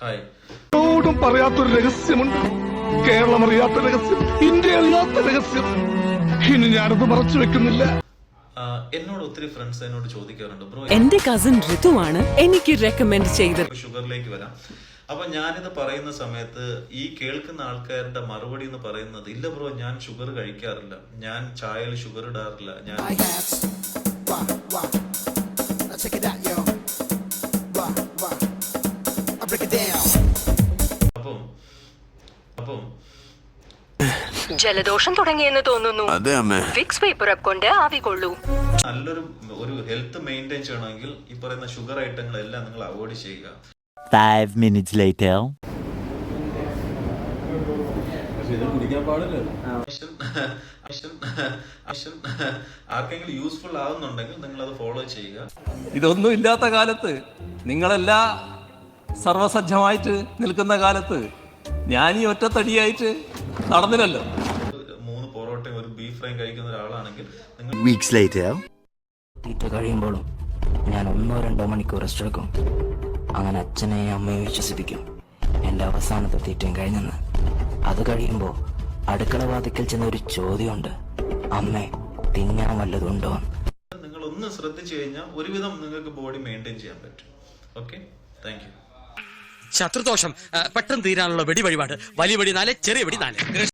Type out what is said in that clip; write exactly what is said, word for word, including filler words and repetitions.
Hi. ോടും പറയാത്തൊരു രഹസ്യമുണ്ട്. Keralam അറിയാത്ത രഹസ്യം, India അറിയാത്ത രഹസ്യം. ഇനി ഞാനത് മറച്ചു വെക്കുന്നില്ല. എന്നോട് ഒത്തിരി ഫ്രണ്ട്സ് എന്നോട് ചോദിക്കാറുണ്ട്, ബ്രോ എന്റെ കസിൻ ഋതുവാണ് എനിക്ക് റെക്കമെൻഡ് ചെയ്തത്. ഷുഗറിലേക്ക് വരാം. അപ്പൊ ഞാനിത് പറയുന്ന സമയത്ത് ഈ കേൾക്കുന്ന ആൾക്കാരുടെ മറുപടി എന്ന് പറയുന്നത്, ഇല്ല ബ്രോ ഞാൻ ഷുഗർ കഴിക്കാറില്ല, ഞാൻ ചായയിൽ ഷുഗർ ഇടാറില്ല, ഞാൻ അപ്പം അപ്പം ജലദോഷം തുടങ്ങിയെന്ന് തോന്നുന്നു. ഫിക്സ് പേപ്പർ കൊണ്ട് ആവി കൊള്ളൂ. നല്ലൊരു ഒരു ഹെൽത്ത് മെയിൻറ്റെയിൻ ചെയ്യണമെങ്കിൽ ഈ പറയുന്ന ഷുഗർ ഐറ്റങ്ങളെല്ലാം നിങ്ങൾ അവോയ്ഡ് ചെയ്യുക. Five minutes later. ആർക്കെങ്കിലും യൂസ്ഫുൾ ആവുന്നുണ്ടെങ്കിൽ നിങ്ങൾ അത് ഫോളോ ചെയ്യുക. ഇതൊന്നും ഇല്ലാത്ത കാലത്ത്, നിങ്ങളെല്ലാ സർവസജ്ജമായിട്ട് നിൽക്കുന്ന കാലത്ത് ഞാൻ ഈ ഒറ്റത്തടിയായിട്ട് നടന്നില്ലല്ലോ. മൂന്ന് പൊറോട്ടയും ഒരു ബീഫ് ഫ്രൈയും കഴിക്കുന്ന ഒരാളാണെങ്കിൽ നിങ്ങൾ Weeks later. തീറ്റ കഴിയുമ്പോഴും ഞാൻ ഒന്നോ രണ്ടോ മണിക്കൂർ റെസ്റ്റ് എടുക്കും. അങ്ങനെ അച്ഛനെയും അമ്മയും വിശ്വസിപ്പിക്കും എൻ്റെ അവസാനത്തെ തീറ്റയും കഴിഞ്ഞെന്ന്. അത് കഴിയുമ്പോൾ അടുക്കള വാതിക്കൽ ചെന്ന ഒരു ചോദ്യമുണ്ട്, അമ്മേ തിന്നാൻ വല്ലതുണ്ടോ? നിങ്ങൾ ഒന്ന് ശ്രദ്ധിച്ചു കഴിഞ്ഞാൽ ഒരുവിധം നിങ്ങൾക്ക് ബോഡി മെയിൻറ്റെയിൻ ചെയ്യാൻ പറ്റും. Okay, thank you. ശത്രുദോഷം പെട്ടെന്ന് തീരാനുള്ള വെടി വഴിപാട്. വലിയ വെടി നാല്, ചെറിയ വെടി നാല്.